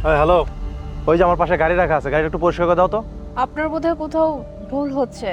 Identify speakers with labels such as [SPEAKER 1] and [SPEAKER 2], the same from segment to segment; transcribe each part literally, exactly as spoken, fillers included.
[SPEAKER 1] Hello, ওই যে আমার পাশে গাড়ি রাখা আছে, গাড়িটা একটু পরিষ্কার করে দাও তো।
[SPEAKER 2] আপনার বোধহয় কোথাও ভুল হচ্ছে।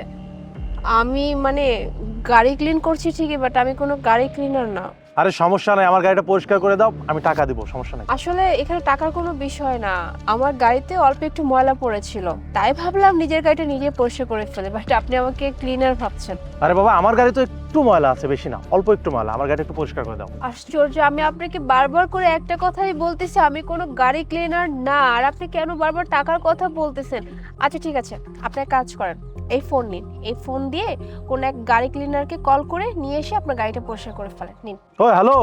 [SPEAKER 2] আমি মানে গাড়ি ক্লিন করছি ঠিকই, বাট আমি কোনো গাড়ি ক্লিনার না।
[SPEAKER 1] আরে সমস্যা নাই, আমার গাড়িটা পরিষ্কার করে দাও, আমি টাকা দিব, সমস্যা নাই।
[SPEAKER 2] আসলে এখানে টাকার কোনো বিষয় না, আমার গাড়িতে অল্প একটু ময়লা পড়েছিল, তাই ভাবলাম নিজের গাড়িটা নিজে পরিষ্কার করে ফেলে, বাট আপনি আমাকে ক্লিনার ভাবছেন।
[SPEAKER 1] আরে বাবা, আমার গাড়ি তো একটু ময়লা আছে, বেশি না, অল্প একটু ময়লা, আমার গাড়িটা একটু পরিষ্কার করে দাও।
[SPEAKER 2] আশ্চর্য, আমি আপনাকে বারবার করে একটা কথাই বলতেছি আমি কোনো গাড়ি ক্লিনার না, আর আপনি কেন বারবার টাকার কথা বলতেছেন? আচ্ছা ঠিক আছে, আপনি এক কাজ করেন, এই ফোন নিন, এই ফোন দিয়ে কোন এক গাড়ি ক্লিনারকে কল করে নিয়ে এসে আপনার গাড়িটা পরিষ্কার করে ফেলেন। নিন।
[SPEAKER 1] ও হ্যালো,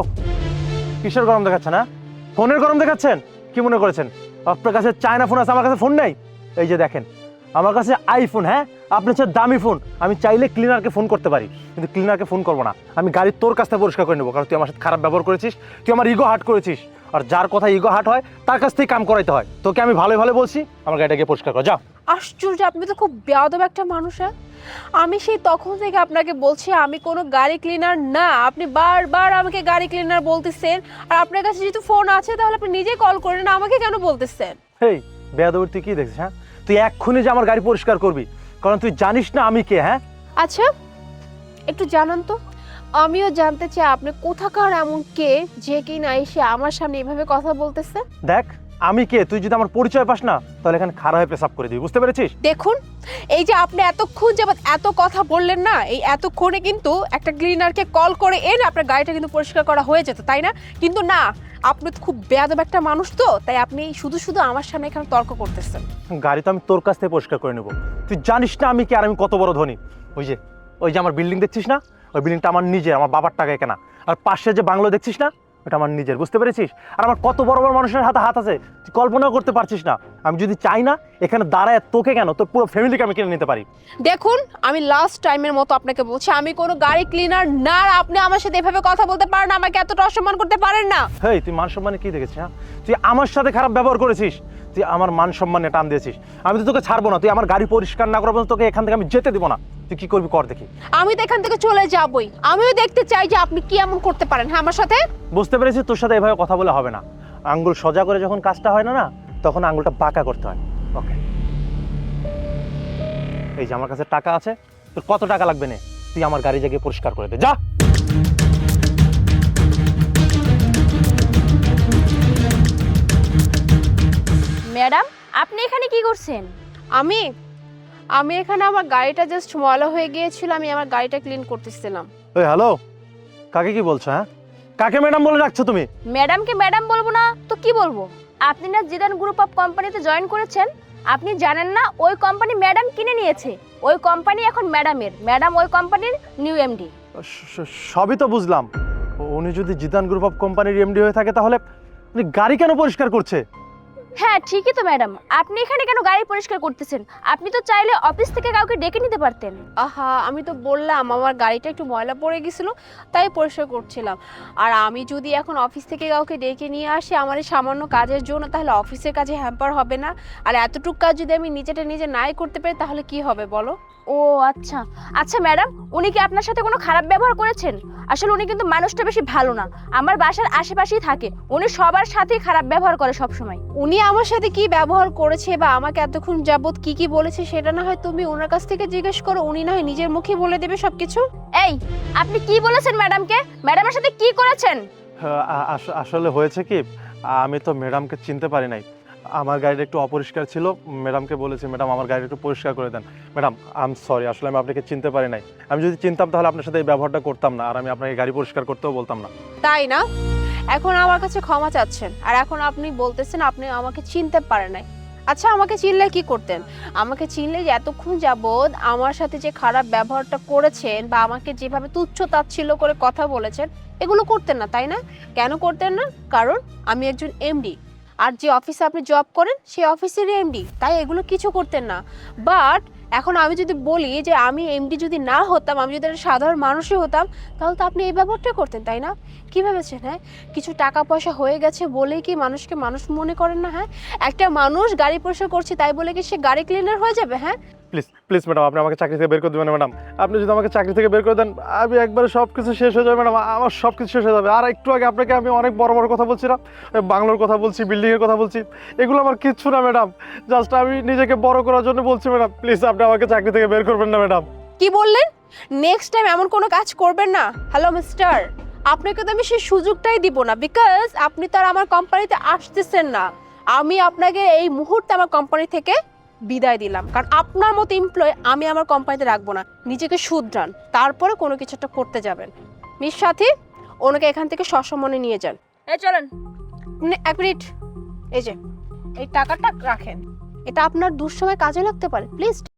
[SPEAKER 1] কিসের গরম দেখাচ্ছেন? হ্যাঁ, ফোনের গরম দেখাচ্ছেন? কি মনে করেছেন আপনার কাছে চায়না ফোন আছে, আমার কাছে ফোন নেই? এই যে দেখেন, আমার কাছে আইফোন। হ্যাঁ, আপনার হচ্ছে দামি ফোন, আমি চাইলে ক্লিনারকে ফোন করতে পারি, কিন্তু ক্লিনারকে ফোন করবো না। আমি গাড়ি তোর কাছ থেকে পরিষ্কার করে নেবো, কারণ তুই আমার সাথে খারাপ ব্যবহার করেছিস, তুই আমার ইগো হার্ট করেছিস, আর যার কথা ইগো হার্ট হয় তার কাছ থেকে কাম করাইতে হয়। তোকে আমি ভালো ভালো বলছি, আমার গাড়িটাকে পরিষ্কার কর, যাও।
[SPEAKER 2] আশ্চর্য, আপনি তো খুব বেয়াদব একটা মানুষ। হ্যাঁ, আমি সেই তখন থেকে আপনাকে বলছি আমি কোনো গাড়ি ক্লিনার না, আপনি বারবার আমাকে গাড়ি ক্লিনার বলতেছেন, আর আপনার কাছে যেহেতু ফোন আছে তাহলে আপনি নিজেই কল করেন, আমাকে কেন বলতেছেন?
[SPEAKER 1] হেই বেয়াদবের, তুই কি দেখছিস? হ্যাঁ, তুই এক্ষুনি যে আমার গাড়ি পরিষ্কার করবি, কারণ তুই জানিস না আমি কে। হ্যাঁ,
[SPEAKER 2] আচ্ছা একটু জানান তো, আমিও জানতে চাই আপনি কোথাকার এমন কে যে কি না এসে আমার সামনে এভাবে কথা বলতেছে।
[SPEAKER 1] দেখ আমি কে, তুই যদি আমার পরিচয় পাস না তাহলে এখানে খাড়া হয়ে পেশাব করে দিবি, বুঝতে পেরেছিস?
[SPEAKER 2] দেখুন, এই যে আপনি এতক্ষণ যাবত এত কথা বললেন না, এই এতক্ষণে কিন্তু একটা ক্লিনারকে কল করে এনে আপনার গাড়িটা কিন্তু পরিষ্কার করা হয়ে যেত, তাই না? কিন্তু না, আপনি তো খুব বেয়াদব একটা মানুষ, তো তাই আপনি শুধু শুধু আমার সামনে এখানে তর্ক করতেছেন।
[SPEAKER 1] গাড়ি তো আমি তোর কাছ থেকে পরিষ্কার করে নেবো, তুই জানিস না আমি কে আর আমি কত বড় ধনী। ওই যে ওই যে আমার বিল্ডিং দেখছিস না, ওই বিল্ডিংটা আমার নিজের, আমার বাবার টাকায় কেনা। আর পাশে যে বাংলো দেখছিস না, ওটা আমার নিজের, বুঝতে পেরেছিস? আর আমার কত বড় বড় মানুষের হাতে হাত আছে, তুই কল্পনাও করতে পারছিস না। আমি যদি চাই না এখানে দাঁড়ায় তোকে কেন, তোর পুরো ফ্যামিলিকে আমি কিনে নিতে পারি।
[SPEAKER 2] দেখুন, আমি লাস্ট টাইমের মতো আপনাকে বলছি আমি কোনো গাড়ি ক্লিনার না, আর আপনি আমার সাথে এভাবে কথা বলতে পারেন না, আমাকে এতটা অসম্মান করতে পারেন না।
[SPEAKER 1] হেই, তুই মান সম্মানে কি দেখেছিস? হ্যাঁ, তুই আমার সাথে খারাপ ব্যবহার করেছিস, তুই আমার মান সম্মানে টান দিয়েছিস। আমি তো তোকে ছাড়বো না, তুই আমার গাড়ি পরিষ্কার না করার পর্যন্ত তোকে এখান থেকে আমি যেতে দিব না। তুই কি করবি কর দেখি।
[SPEAKER 2] আমি তো এখান থেকে চলে যাবই, আমিও দেখতে চাই যে আপনি কি এমন করতে পারেন হ্যাঁ আমার সাথে।
[SPEAKER 1] বুঝতে পেরেছি, তোর সাথে এভাবে কথা বলে হবে না। আঙ্গুল সোজা করে যখন কাজটা হয় না না, তখন আঙ্গুলটা বাঁকা করতে হয়। ওকে, এই যে আমার কাছে টাকা আছে, তোর কত টাকা লাগবে নে, তুই আমার গাড়ি জায়গায় পরিষ্কার করে দে, যা।
[SPEAKER 3] ম্যাডাম, আপনি এখানে কি করছেন?
[SPEAKER 2] আমি আমি এখানে আমার গাড়িটা জাস্ট ময়লা হয়ে গিয়েছিল, আমি আমার গাড়িটা ক্লিন করতেছিলাম।
[SPEAKER 1] ওই হ্যালো, কাকে কি বলছো? হ্যাঁ, কাকে ম্যাডাম বলে রাখছো তুমি?
[SPEAKER 3] ম্যাডামকে ম্যাডাম বলবো না তো কি বলবো? আপনি না জিদান গ্রুপ অফ কোম্পানিতে জয়েন করেছেন, আপনি জানেন না ওই কোম্পানি ম্যাডাম কিনে নিয়েছে, ওই কোম্পানি এখন ম্যাডামের, ম্যাডাম ওই কোম্পানির নিউ এমডি।
[SPEAKER 1] স- সবই তো বুঝলাম, উনি যদি জিদান গ্রুপ অফ কোম্পানির এমডি হয়ে থাকে তাহলে উনি গাড়ি কেন পরিষ্কার করছে?
[SPEAKER 3] হ্যাঁ ঠিকই তো ম্যাডাম, আপনি এখানে কেন গাড়ি পরিষ্কার করতেছেন? আপনি তো চাইলে অফিস থেকে কাউকে ডেকে নিতে পারতেন।
[SPEAKER 2] আহা, আমি তো বললাম আমার গাড়িটা একটু ময়লা পড়ে গেছিল, তাই পরিষ্কার করছিলাম। আর আমি যদি এখন অফিস থেকে কাউকে ডেকে নিয়ে আসি আমার এই সামান্য কাজের জন্য, তাহলে অফিসের কাজে হ্যাম্পার হবে না? আর এতটুকু কাজ যদি আমি নিজেটা নিজে নাই করতে পারি তাহলে কি হবে বলো?
[SPEAKER 3] ও আচ্ছা আচ্ছা ম্যাডাম, উনি কি আপনার সাথে কোনো খারাপ ব্যবহার করেছেন? আসলে উনি কিন্তু মানুষটা বেশি ভালো না, আমার বাসার আশেপাশেই থাকে, উনি সবার সাথেই খারাপ ব্যবহার করে সব সময়।
[SPEAKER 2] উনি আমার সাথে কি ব্যবহার করেছে বা আমাকে এতক্ষণ যাবত কি কি বলেছে সেটা না হয় তুমি ওনার কাছ থেকে জিজ্ঞেস করো, উনি না হয় নিজের মুখে বলে দেবে সবকিছু।
[SPEAKER 3] এই, আপনি কি বলেছেন ম্যাডামকে? ম্যাডামের সাথে কি করেছেন?
[SPEAKER 1] হ্যাঁ, আ- আস- আসলে হয়েছে কি, আমি তো ম্যাডামকে চিনতে পারি নাই, আমার গাড়িটা একটু অপরিষ্কার ছিল, ম্যাডামকে বলেছি ম্যাডাম আমার গাড়িটা একটু পরিষ্কার করে দেন। ম্যাডাম আই এম সরি, আসলে আমি আপনাকে চিনতে পারি নাই, আমি যদি চিনতাম তাহলে আপনার সাথে এই ব্যবহারটা করতাম না, আর আমি আপনাকে গাড়ি পরিষ্কার করতেও বলতাম না।
[SPEAKER 2] তাই না? এখন আমার কাছে ক্ষমা চাচ্ছেন, আর এখন আপনি বলতেছেন আপনি আমাকে চিনতে পারেন নাই। আচ্ছা, আমাকে চিনলে কি করতেন? আমাকে চিনলে যে এতক্ষণ যাবৎ আমার সাথে যে খারাপ ব্যবহারটা করেছেন বা আমাকে যেভাবে তুচ্ছ তাচ্ছিল্য করে কথা বলেছেন, এগুলো করতেন না, তাই না? কেন করতেন না? কারণ আমি একজন এমডি, আর যে অফিসে আপনি জব করেন সেই অফিসেরই এমডি, তাই এগুলো কিছু করতেন না। বাট এখন আমি যদি বলি যে আমি এমডি যদি না হতাম, আমি যদি একটা সাধারণ মানুষই হতাম, তাহলে তো আপনি এই ব্যবহারটা করতেন, তাই না? কি ভেবেছেন? হ্যাঁ, কিছু টাকা পয়সা হয়ে গেছে বলেই কি মানুষকে মানুষ মনে করেন না? হ্যাঁ, একটা মানুষ গাড়ি পরিষ্কার করছে তাই বলে কি সে গাড়ি ক্লিনার হয়ে যাবে? হ্যাঁ,
[SPEAKER 1] প্লিজ প্লিজ ম্যাডাম, আপনি আমাকে চাকরি থেকে বের করে দেবেন না ম্যাডাম। আপনি যদি আমাকে চাকরি থেকে বের করে দেন, আমি একবারে সব কিছু শেষ হয়ে যাবে ম্যাডাম, আমার সব কিছু শেষ হয়ে যাবে। আর একটু আগে আপনাকে আমি অনেক বড় বড় কথা বলছিলাম, বাংলোর কথা বলছি, বিল্ডিংয়ের কথা বলছি, এগুলো আমার কিচ্ছু না ম্যাডাম, জাস্ট আমি নিজেকে বড় করার জন্য বলছি ম্যাডাম। প্লিজ আপনি আমাকে চাকরি থেকে বের করবেন না ম্যাডাম।
[SPEAKER 2] কি বললেন? নেক্সট টাইম এমন কোনো কাজ করবেন না। হ্যালো মিস্টার, আপনাকে তো আমি সেই সুযোগটাই দিব না, বিকজ আপনি তো আর আমার কোম্পানিতে আসতেছেন না। আমি আপনাকে এই মুহূর্তে আমার কোম্পানি থেকে বিদায় দিলাম, কারণ আপনার মতো এমপ্লয় আমি আমার কোম্পানিতে রাখবো না। নিজেকে শুধরান, তারপরে কোনো কিছু একটা করতে যাবেন। মিস সাথী, ওনাকে এখান থেকে সসম্মানে নিয়ে যান।
[SPEAKER 3] এই চলেন।
[SPEAKER 2] নে- এক মিনিট, এই যে এই টাকাটা রাখেন, এটা আপনার দুঃসময় কাজে লাগতে পারে, প্লিজ।